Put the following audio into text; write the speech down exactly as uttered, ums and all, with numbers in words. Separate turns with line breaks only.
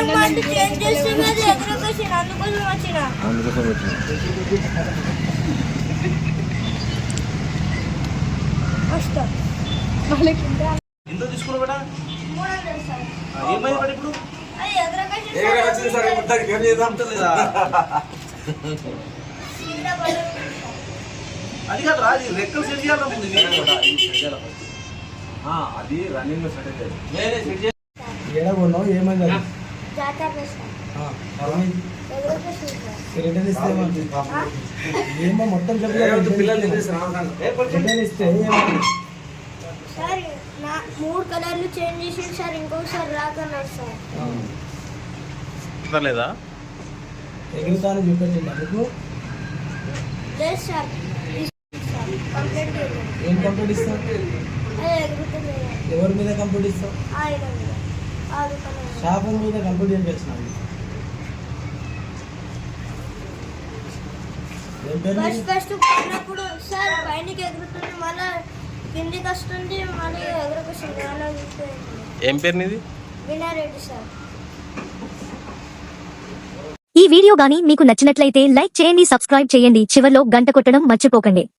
ఎంత తీసుకున్నా బేటా ఏమైంది బట్ ఇప్పుడు అది కాదు రాదు రెక్కలు సెట్ చేయాలి అది రన్నింగ్ లో సెట్
ఏడగొన్నావు ఏమైంది రిటర్న్ ఇస్తే ఏమో మొత్తం రిటర్న్ ఇస్తే
సార్ నా మూడు కలర్లు చేంజ్ చేసి సార్ ఇంకొకసారి రాకన్నారు సార్
లేదా
ఎగురుతాను చూపెట్టండి అందుకు
లేదు సార్ కంప్లీట్
ఏం కంప్లీట్ ఇస్తావు ఎవరి మీద కంప్లీట్ ఇస్తావు షాపు మీద కంప్లీట్ ఏం చేస్తున్నావు
ఫస్ట్ ఫస్ట్ పడినప్పుడు సార్ పైనకి ఎగురుతుంది మళ్ళీ కిందికి వస్తుంది మళ్ళీ ఎగురుకొస్తుంది అలా
ఏం పేరు నీది
వినారెడ్డి సార్.
ఈ వీడియో గాని మీకు నచ్చినట్లయితే లైక్ చేయండి, సబ్స్క్రైబ్ చేయండి, చివర్లో గంట కొట్టడం మర్చిపోకండి.